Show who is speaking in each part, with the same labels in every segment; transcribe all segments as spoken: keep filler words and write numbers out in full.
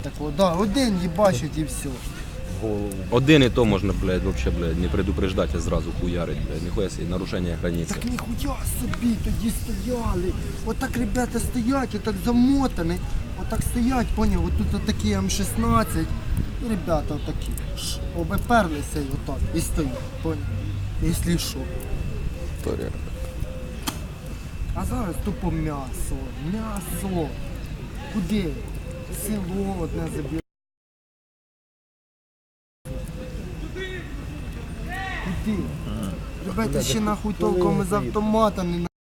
Speaker 1: Такого, да, один їбачить і все.
Speaker 2: Голову.
Speaker 3: Один і то можна, блядь, вообще, блядь, не предупреждати, а зразу хуярить, блядь. Ніхуя собі, нарушення границі.
Speaker 1: Так ніхуя собі тоді стояли. Отак ребята стоять, отак замотані. Отак стоять, поняв, отут такі М шістнадцять. І ребята отакі. Ш, обеперлися і отак. І стоять, поняв. Якщо що.
Speaker 3: Історія.
Speaker 1: А зараз тупо м'ясо. М'ясо. Куди? Село одне забіг. Куди? Ребята, ще нахуй толком із автомата не на...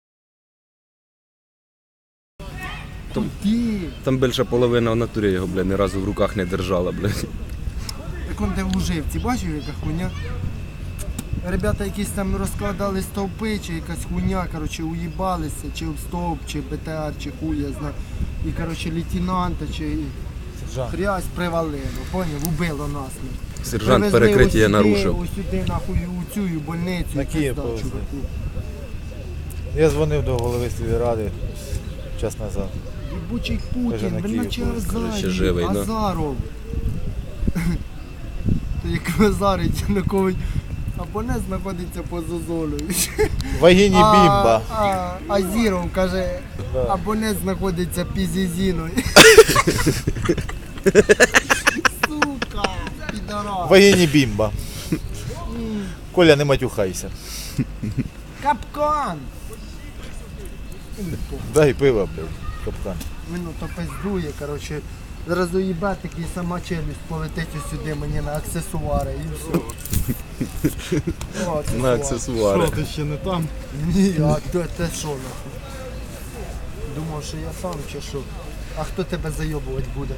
Speaker 1: Куди?
Speaker 3: Там більше половина в натурі його, блядь, ні разу в руках не держала, блядь.
Speaker 1: Як он де в Луживці, бачив яка хуйня? Ребята якісь там розкладали стовпи, чи якась хуйня, короче, уїбалися, чи об стовп, чи БТР, чи хуй, я знаю. І, короче, лейтенанта, чи
Speaker 2: Сержант.
Speaker 1: хрясь привалило, поняв, убило нас.
Speaker 3: Сержант
Speaker 1: Привезли
Speaker 3: перекриття
Speaker 1: ось
Speaker 3: нарушив.
Speaker 1: сюди, ось сюди, нахуй, у цю больницю.
Speaker 2: На
Speaker 1: і
Speaker 2: Київ
Speaker 1: пизда,
Speaker 2: повезли.
Speaker 1: чуваку.
Speaker 2: Я дзвонив до голови сільради час назад.
Speaker 1: Єбучий
Speaker 2: Каже,
Speaker 1: Путін,
Speaker 2: на
Speaker 1: він
Speaker 2: Київ
Speaker 1: наче
Speaker 2: повезли.
Speaker 3: Ще живий,
Speaker 1: Азарів,
Speaker 3: да?
Speaker 1: Азаров. То як Азарить Янукович, або не знаходиться поза зоною.
Speaker 2: Вагіні бімба.
Speaker 1: А, а, Азіров каже,
Speaker 2: Да.
Speaker 1: абонент знаходиться під Зізіною. Сука, підарас.
Speaker 2: Вагіні бімба. Коля, не матюхайся.
Speaker 1: Капкан.
Speaker 2: Дай пиво, блядь, капкан.
Speaker 1: Він то пиздує, коротше. Зараз уїбе такий сама челюсть полетить ось сюди мені на аксесуари і все. О,
Speaker 3: На аксесуари.
Speaker 2: ти ще не там?
Speaker 1: Ні, а то те що нахуй? Думав, що я сам чи що? А хто тебе зайобувати буде?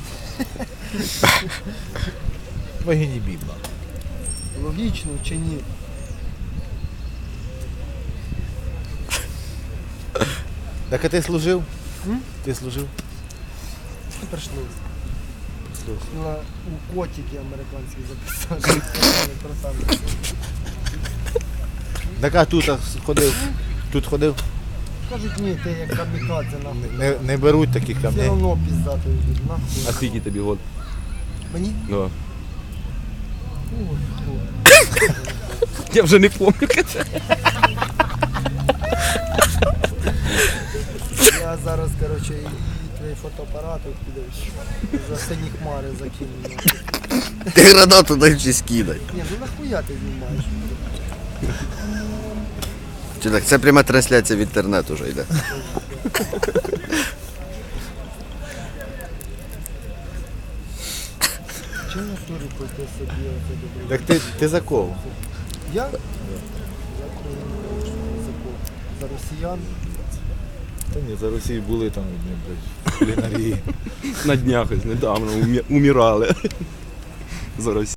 Speaker 2: Вагіні бімба.
Speaker 1: Логічно чи ні?
Speaker 2: Так а ти служив?
Speaker 1: М?
Speaker 2: Ти служив?
Speaker 1: Прийшлося.
Speaker 2: Служив.
Speaker 1: На, у котики американські записали. Красавці.
Speaker 2: Так а тут ходив? Тут ходив?
Speaker 1: Кажуть, ні, ти як камікадзе нахуй.
Speaker 2: Не, не беруть таких
Speaker 1: Все
Speaker 2: камней.
Speaker 1: одно піздати йдуть, нахуй.
Speaker 3: А скільки тобі год?
Speaker 1: Мені?
Speaker 3: Да.
Speaker 1: Ой, ой.
Speaker 3: Я вже не пам'ятаю.
Speaker 1: Я зараз, коротше, і, і твій фотоапарат от підеш. За сині хмари закину.
Speaker 4: Ти гранату дай вчись кидай.
Speaker 1: Ні, ну нахуя ти знімаєш?
Speaker 4: Чи так, це пряма трансляція в інтернет уже йде.
Speaker 1: Чи на турі пойти собі оце добре?
Speaker 2: Так ти, ти за кого?
Speaker 1: Я? Я за кого? За росіян?
Speaker 2: Та ні, за Росії були там одні, блядь, кулінарії.
Speaker 3: На днях ось недавно умі- умирали. За Росію.